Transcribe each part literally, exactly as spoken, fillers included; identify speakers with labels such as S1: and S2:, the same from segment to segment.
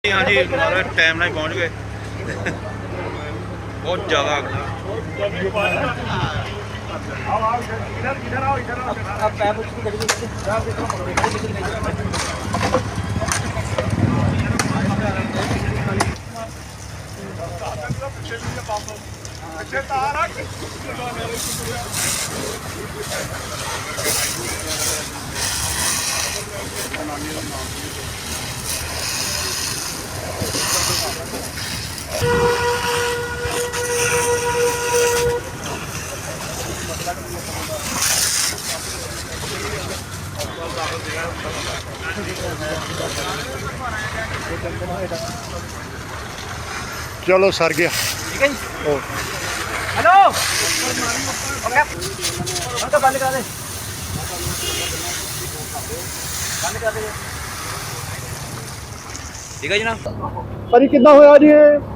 S1: हाँ जी हमारा टाइम ना पहुँच गए बहुत ज़्यादा
S2: चलो सर गया।
S3: ठीक है जी। हेलो ओके तो बंद करा दे बंद करा दे ठीक है जी ना
S2: भाजी कितना होया जी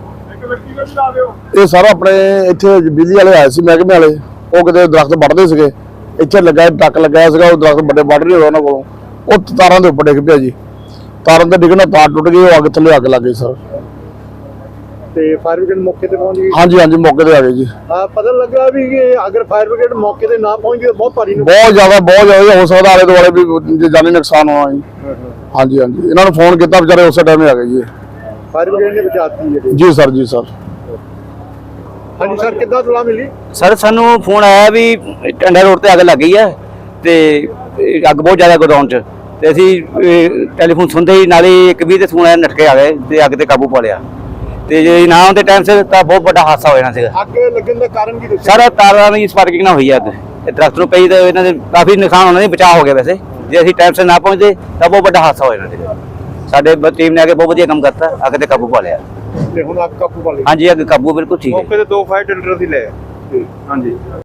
S4: ਇਹ ਸਾਰਾ ਆਪਣੇ ਇੱਥੇ ਬਿਜਲੀ ਵਾਲੇ ਆਏ ਸੀ ਮਹਿਕਮੇ ਵਾਲੇ ਉਹ ਕਿਤੇ ਦਰਖਤ ਵੱਢਦੇ ਸੀਗੇ ਇੱਥੇ ਲੱਗਾ ਟੱਕ ਲੱਗਿਆ ਸੀਗਾ ਉਹ ਦਰਖਤ ਵੱਡੇ ਵੱਢ ਰਹੇ ਉਹਨਾਂ ਕੋਲੋਂ ਉਹ ਤਾਰਾਂ ਦੇ ਉੱਪਰ ਡਿੱਗ ਪਿਆ ਜੀ ਤਾਰਾਂ ਦੇ ਡਿੱਗਣ ਨਾਲ ਤਾਰ ਟੁੱਟ ਗਈ ਉਹ ਅੱਗ ਥੱਲੇ ਅੱਗ ਲੱਗ ਗਈ ਸਰ
S2: ਤੇ ਫਾਇਰ ਬ੍ਰਿਗੇਡ ਮੌਕੇ ਤੇ ਪਹੁੰਚ ਗਈ।
S4: ਹਾਂਜੀ ਹਾਂਜੀ ਮੌਕੇ ਤੇ ਆ ਗਏ ਜੀ।
S2: ਆ ਪਤਾ ਲੱਗਾ ਵੀ ਇਹ ਅਗਰ ਫਾਇਰ ਬ੍ਰਿਗੇਡ ਮੌਕੇ ਤੇ ਨਾ ਪਹੁੰਚੀ ਤਾਂ ਬਹੁਤ ਭਾਰੀ ਨੂੰ
S4: ਬਹੁਤ ਜ਼ਿਆਦਾ ਬਹੁਤ ਜ਼ਿਆਦਾ ਹੋ ਸਕਦਾ ਆਲੇ ਦੁਆਲੇ ਵੀ ਜਾਨੀ ਨੁਕਸਾਨ ਹੋਣਾ ਜੀ। ਹਾਂਜੀ ਹਾਂਜੀ ਇਹਨਾਂ ਨੂੰ ਫੋਨ ਕੀਤਾ ਵਿਚਾਰੇ ਉਸੇ ਟਾਈਮ ਹੀ ਆ ਗਏ ਜੀ।
S2: ਫਾਇਰ ਬ੍ਰਿਗੇਡ ਨੇ ਬਚਾਤੀ ਹੈ
S4: ਜੀ ਸਰ ਜੀ ਸਰ।
S2: ਹਾਂਜੀ ਸਰ ਕਿੱਦਾਂ ਤਲਾ ਮਿਲੀ?
S3: ਸਰ ਸਾਨੂੰ ਫੋਨ ਆਇਆ ਵੀ ਟੰਡਾ ਰੋਡ ਤੇ ਅੱਗ ਲੱਗ ਗਈ ਹੈ ਤੇ ਅੱਗ ਬਹੁਤ ਜ਼ਿਆਦਾ ਗੋਦਾਮ 'ਚ ਤੇ ਅਸੀਂ ਟੈਲੀਫੋਨ ਸੁਣਦੇ ਹੀ ਨਾਲੇ ਇੱਕ ਵੀ ਤੇ ਫੋਨ ਆਇਆ ਨਟਕੇ ਆ ਗਏ ਤੇ ਅੱਗ ਤੇ ਕਾਬੂ ਪਾ ਲਿਆ ਤੇ ਜੇ ਨਾ ਆਉਂਦੇ ਟਾਈਮ ਸਿਰ ਤਾਂ ਬਹੁਤ ਵੱਡਾ ਹਾਦਸਾ ਹੋ ਜਾਣਾ ਸੀਗਾ।
S2: ਅੱਗ ਲੱਗਣ ਦਾ ਕਾਰਨ ਕੀ ਦੱਸਿਆ?
S3: ਸਾਰਾ ਤਾਰਾਂ ਦੀ ਸਪਾਰਕਿੰਗ ਨਾ ਹੋਈ ਅੱਗ ਇਹ ਦਰਖਤ ਨੂੰ ਪਈ ਤਾਂ ਇਹਨਾਂ ਦੇ ਕਾਫੀ ਨੁਕਸਾਨ ਹੋਣਾ ਸੀ ਬਚਾਅ ਹੋ ਗਿਆ ਵੈਸੇ ਜੇ ਅਸੀਂ ਟਾਈਮ ਸਿਰ ਨਾ ਪਹੁੰਚਦੇ ਤਾਂ ਬਹੁਤ ਵੱਡਾ ਹਾਦਸਾ ਹੋ ਜਾਣਾ ਸੀਗਾ। ਸਾਡੇ ਟੀਮ ਨੇ ਆ ਕੇ ਬਹੁਤ ਵਧੀਆ ਕੰਮ ਕਰਤਾ ਅੱਗ ਤੇ ਕਾਬੂ ਪਾ ਲਿਆ।
S2: ਤੇ ਹੁਣ ਅੱਗ ਕਾਬੂ ਪਾ ਲਈ।
S3: ਹਾਂਜੀ ਅੱਗ ਕਾਬੂ ਬਿਲਕੁਲ ਠੀਕ ਹੈ।
S1: मौके ते दो फायर टेंडर ही ले हाँ जी।